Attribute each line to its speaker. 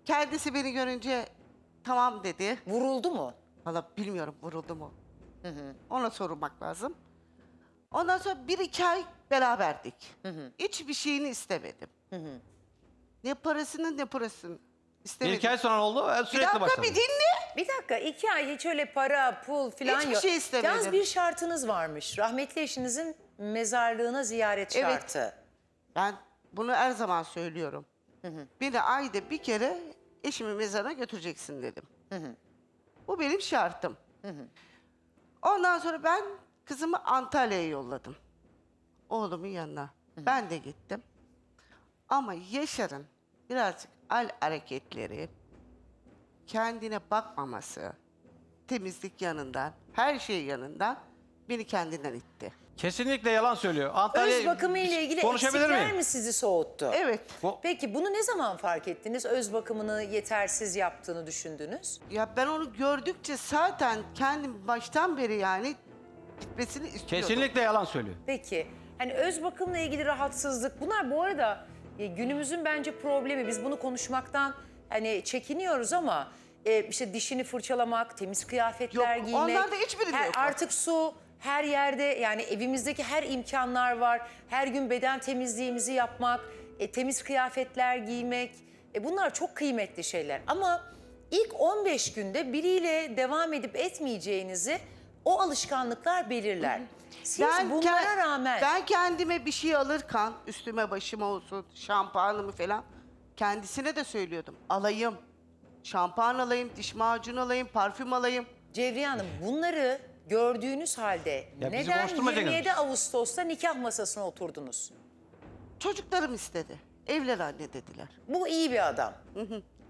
Speaker 1: Kendisi beni görünce tamam dedi.
Speaker 2: Vuruldu mu?
Speaker 1: Valla bilmiyorum vuruldu mu. Ona sormak lazım. Ondan sonra 1-2 ay beraberdik. Hiçbir şeyini istemedim. Ne parasını ne parasını istemedim.
Speaker 3: Bir iki ay sonra oldu,
Speaker 1: Bir
Speaker 3: sürekli
Speaker 1: dakika
Speaker 3: başladı.
Speaker 1: bir dinle.
Speaker 2: Bir dakika, 2 ay hiç öyle para, pul falan
Speaker 1: Hiçbir
Speaker 2: yok.
Speaker 1: şey istemedim.
Speaker 2: Yalnız bir şartınız varmış. Rahmetli eşinizin mezarlığına ziyaret
Speaker 1: Evet.
Speaker 2: şartı.
Speaker 1: Ben bunu her zaman söylüyorum. Beni ayda bir kere eşimin mezarına götüreceksin dedim. Bu benim şartım. Ondan sonra ben kızımı Antalya'ya yolladım. Oğlumun yanına. Ben de gittim. Ama Yaşar'ın birazcık hareketleri, kendine bakmaması, temizlik yanından, her şey yanından beni kendinden itti.
Speaker 3: Kesinlikle yalan söylüyor.
Speaker 2: Öz bakımı ile ilgili
Speaker 3: konuşabilir
Speaker 2: eksikler
Speaker 3: miyim?
Speaker 2: mi sizi soğuttu?
Speaker 1: Evet.
Speaker 2: Peki bunu ne zaman fark ettiniz? Öz bakımını yetersiz yaptığını düşündünüz.
Speaker 1: Ya ben onu gördükçe zaten kendim baştan beri yani gitmesini istiyordum.
Speaker 3: Kesinlikle yalan söylüyor.
Speaker 2: Peki hani öz bakımla ilgili rahatsızlık bunlar bu arada günümüzün bence problemi. Biz bunu konuşmaktan hani çekiniyoruz ama işte dişini fırçalamak, temiz kıyafetler
Speaker 1: Yok,
Speaker 2: giymek.
Speaker 1: onlarda hiçbirinde yok.
Speaker 2: Artık su her yerde yani evimizdeki her imkanlar var. Her gün beden temizliğimizi yapmak, temiz kıyafetler giymek. Bunlar çok kıymetli şeyler ama ilk 15 günde biriyle devam edip etmeyeceğinizi o alışkanlıklar belirler. Siz bunlara rağmen...
Speaker 1: Ben kendime bir şey alırken üstüme başıma olsun şampuanımı falan kendisine de söylüyordum. Alayım. Şampuan alayım, diş macunu alayım, parfüm alayım.
Speaker 2: Cevriye Hanım bunları gördüğünüz halde
Speaker 3: Ya bizi
Speaker 2: neden
Speaker 3: konuşturmayacaksınız.
Speaker 2: 27 Ağustos'ta nikah masasına oturdunuz?
Speaker 1: Çocuklarım istedi. Evlen anne dediler.
Speaker 2: Bu iyi bir adam.